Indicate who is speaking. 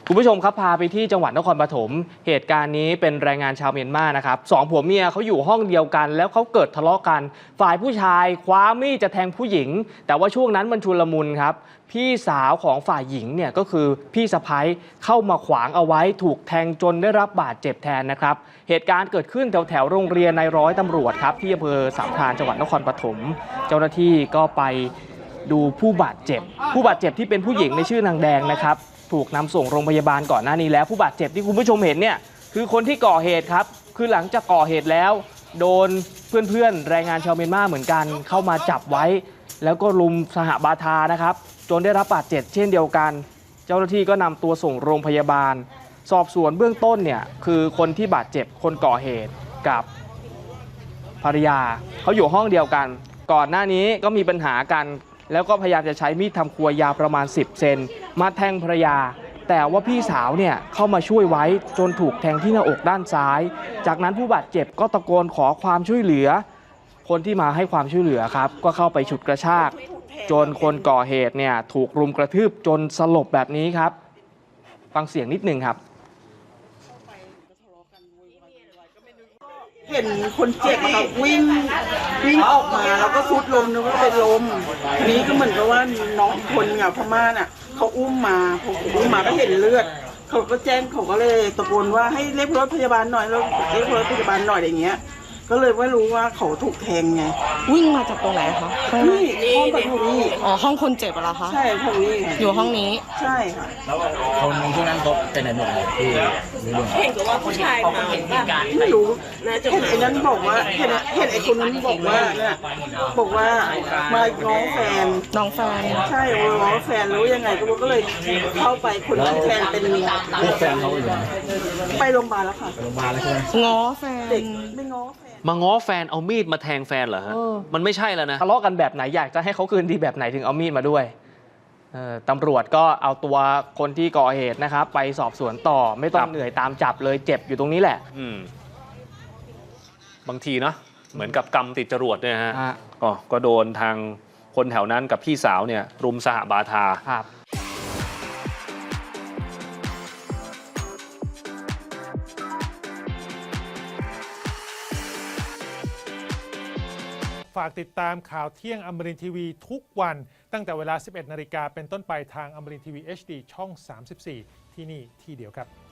Speaker 1: คุณผู้ชมครับพาไปที่จังหวัดนครปฐมเหตุการณ์นี้เป็นแรงงานชาวเมียนมานะครับสองผัวเมียเขาอยู่ห้องเดียวกันแล้วเขาเกิดทะเลาะกันฝ่ายผู้ชายคว้ามีดจะแทงผู้หญิงแต่ว่าช่วงนั้นมันชุลมุนครับพี่สาวของฝ่ายหญิงเนี่ยก็คือพี่สะใภ้เข้ามาขวางเอาไว้ถูกแทงจนได้รับบาดเจ็บแทนนะครับเหตุการณ์เกิดขึ้นแถวโรงเรียนนายร้อยตำรวจครับที่อำเภอสามพรานจังหวัดนครปฐมเจ้าหน้าที่ก็ไปดูผู้บาดเจ็บที่เป็นผู้หญิงในชื่อนางแดงนะครับถูกนำส่งโรงพยาบาลก่อนหน้านี้แล้วผู้บาดเจ็บที่คุณผู้ชมเห็นเนี่ยคือคนที่ก่อเหตุครับคือหลังจากก่อเหตุแล้วโดนเพื่อนแรงงานชาวเมียนมาเหมือนกันเข้ามาจับไว้แล้วก็รุมสหบาทานะครับจนได้รับบาดเจ็บเช่นเดียวกันเจ้าหน้าที่ก็นำตัวส่งโรงพยาบาลสอบสวนเบื้องต้นเนี่ยคือคนที่บาดเจ็บคนก่อเหตุกับภรรยาเขาอยู่ห้องเดียวกันก่อนหน้านี้ก็มีปัญหากันแล้วก็พยายามจะใช้มีดทำครัวยาวประมาณ10 เซนมาแทงภรรยาแต่ว่าพี่สาวเนี่ยเข้ามาช่วยไว้จนถูกแทงที่หน้าอกด้านซ้ายจากนั้นผู้บาดเจ็บก็ตะโกนขอความช่วยเหลือคนที่มาให้ความช่วยเหลือครับก็เข้าไปฉุดกระชากจนคนก่อเหตุเนี่ยถูกรุมกระทืบจนสลบแบบนี้ครับฟังเสียงนิดหนึ่งครับ
Speaker 2: เห็นคนเจ็บครับวิ่งออกมาแล้วก็ซุดลมนึกว่าเป็นลมทีนี้ก็เหมือนกับว่าน้องคนเนี่ยพม่าน่ะเขาอุ้มมาพออุ้มมาก็เห็นเลือดเขาก็แจ้งเขาก็เลยตะโกนว่าให้เรียกรถพยาบาลหน่อยแล้วเรียกรถพยาบาลหน่อยอย่างเงี้ยก็เลยไม่รู้ว่าเขาถูกแทงไง
Speaker 3: วิ่งมาจากตรงไหนคะ
Speaker 2: นี่ห้องปฐมนี่
Speaker 3: อ๋อห้องคนเจ็บเหรอคะ
Speaker 2: ใช่ห้องนี้
Speaker 3: อยู่ห้องนี้
Speaker 2: ใช่ค่ะ
Speaker 4: แล้วคนที่นั่นเขาเป็นไหนหมดเลยที่
Speaker 2: เห็นว่าผู้ชายมาไม่รู้เห็นไอ้นั้นบอกว่าเห็นไอ้คนนั้นบอกว่าเนี่ยบอกว่ามาง้อแฟนใช่ง้อแฟนรู้ยังไงก็เลยเข้าไปคนนั้นแฟนเป็น
Speaker 4: แฟนเขาอยู่
Speaker 2: ไปโรงพยาบาลแล้วค่ะ
Speaker 4: โรงพยาบาลแล้วใช่ไหม
Speaker 3: ง้อแฟน
Speaker 2: เด็กไม่ง้อ
Speaker 5: มาง้อแฟนเอามีดมาแทงแฟนเหรอฮะมันไม่ใช่แล้วนะ
Speaker 1: ทะเลาะกันแบบไหนอยากจะให้เขาคืนดีแบบไหนถึงเอามีดมาด้วยตำรวจก็เอาตัวคนที่ก่อเหตุนะครับไปสอบสวนต่อไม่ต้องเหนื่อยตามจับเลยเจ็บอยู่ตรงนี้แหละ
Speaker 5: บางทีเนาะเหมือนกับกรรมติดจรวดเนี่ยฮะก็โดนทางคนแถวนั้นกับพี่สาวเนี่ยรุมสหบาทา
Speaker 1: ครับ
Speaker 6: ฝากติดตามข่าวเที่ยงอมรินทร์ทีวีทุกวันตั้งแต่เวลา 11 นาฬิกาเป็นต้นไปทางอมรินทร์ทีวี HD ช่อง 34 ที่นี่ที่เดียวครับ